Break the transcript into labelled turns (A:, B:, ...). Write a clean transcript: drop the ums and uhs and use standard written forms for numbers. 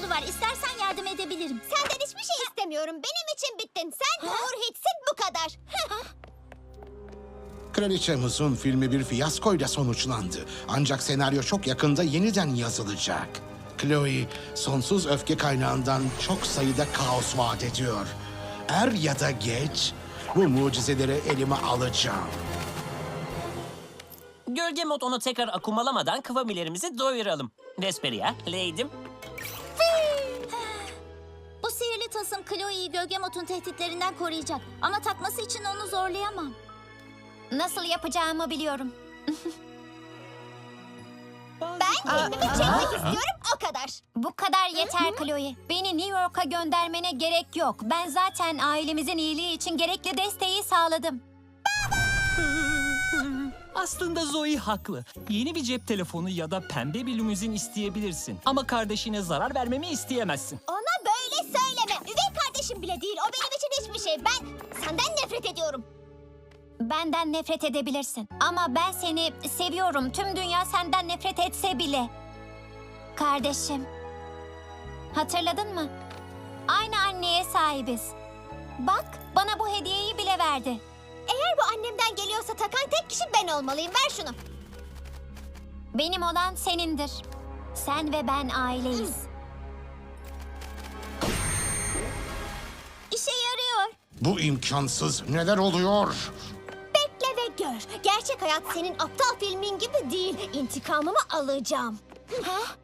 A: yolu var. İstersen yardım edebilirim.
B: Senden hiçbir şey istemiyorum. Benim için bittin. Sen Uğur Hits'in bu kadar.
C: Kraliçe Muz'un filmi bir fiyaskoyla sonuçlandı. Ancak senaryo çok yakında yeniden yazılacak. Chloe, sonsuz öfke kaynağından çok sayıda kaos vaat ediyor. Er ya da geç, bu mucizeleri elime alacağım.
D: Gölge mod onu tekrar akumalamadan kıvamilerimizi doyuralım. Vesperia, Lady'm.
A: Bu sihirli tasım Chloe'yi Gölgemot'un tehditlerinden koruyacak. Ama takması için onu zorlayamam.
B: Nasıl yapacağımı biliyorum. Ben kendimi çekmek istiyorum, o kadar. Bu kadar yeter Chloe. Beni New York'a göndermene gerek yok. Ben zaten ailemizin iyiliği için gerekli desteği sağladım.
E: Aslında Zoe haklı. Yeni bir cep telefonu ya da pembe bir limuzin isteyebilirsin. Ama kardeşine zarar vermemi isteyemezsin.
B: Ona böyle söyleme. Üvey kardeşim bile değil. O benim için hiçbir şey. Ben senden nefret ediyorum. Benden nefret edebilirsin. Ama ben seni seviyorum. Tüm dünya senden nefret etse bile. Kardeşim. Hatırladın mı? Aynı anneye sahibiz. Bak, bana bu hediyeyi bile verdi. Eğer bu annemden geliyorsa takan tek kişi ben olmalıyım. Ver şunu. Benim olan senindir. Sen ve ben aileyiz.
A: İşe yarıyor.
C: Bu imkansız. Neler oluyor?
B: Bekle ve gör. Gerçek hayat senin aptal filmin gibi değil. İntikamımı alacağım. Ha?